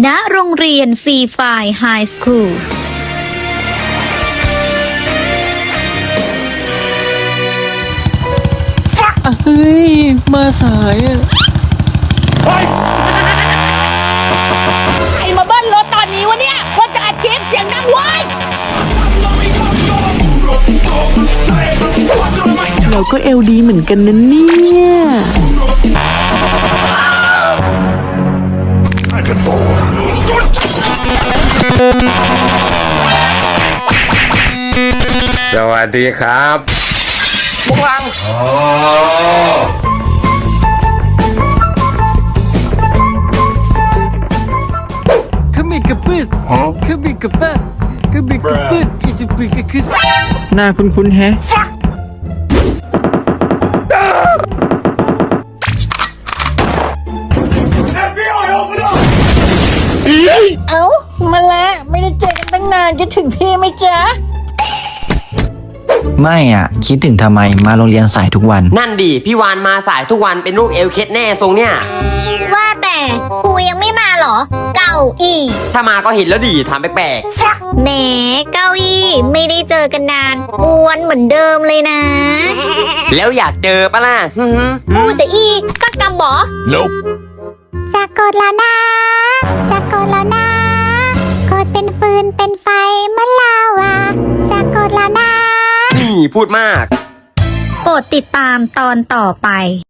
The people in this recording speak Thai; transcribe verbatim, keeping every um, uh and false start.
ณโรงเรียนฟรีไฟร์ไฮสคูลเฮ้ยมาสายอ่ะใครมาเบิ้ลรถตอนนี้วะเนี่ยว่าจะอัดคลิปเสียงดังเว้ยเราก็เอลดีเหมือนกันนะเนี่ยสวัสดีครับพลังขมิกระปึ๊สขมิกระปัสขมิกระปึ๊ดอิสุปิกระคึสหน้าคุ้นๆแฮะเอ้ามาแล้วไม่ได้เจอกันตั้งนานคิดถึงพี่ไหมจ๊ะไม่อ่ะคิดถึงทำไมมาโรงเรียนสายทุกวันนั่นดิพี่วานมาสายทุกวันเป็นลูกเอลเคสแน่ทรงเนี่ยว่าแต่ครูยังไม่มาเหรอ เก้าอี้ถ้ามาก็เห็นแล้วดิถามแปลกแหมเก้าอี้ไม่ได้เจอกันนานกวนเหมือนเดิมเลยนะๆแล้วอยากเจอปะล่ะกูจะอีสักกำบอสะกดแล้วนะสะกดแล้วนะกดเป็นฟืนเป็นไฟเหมือนลาวาสะกดแล้วนะนี่พูดมากโปรดติดตามตอนต่อไป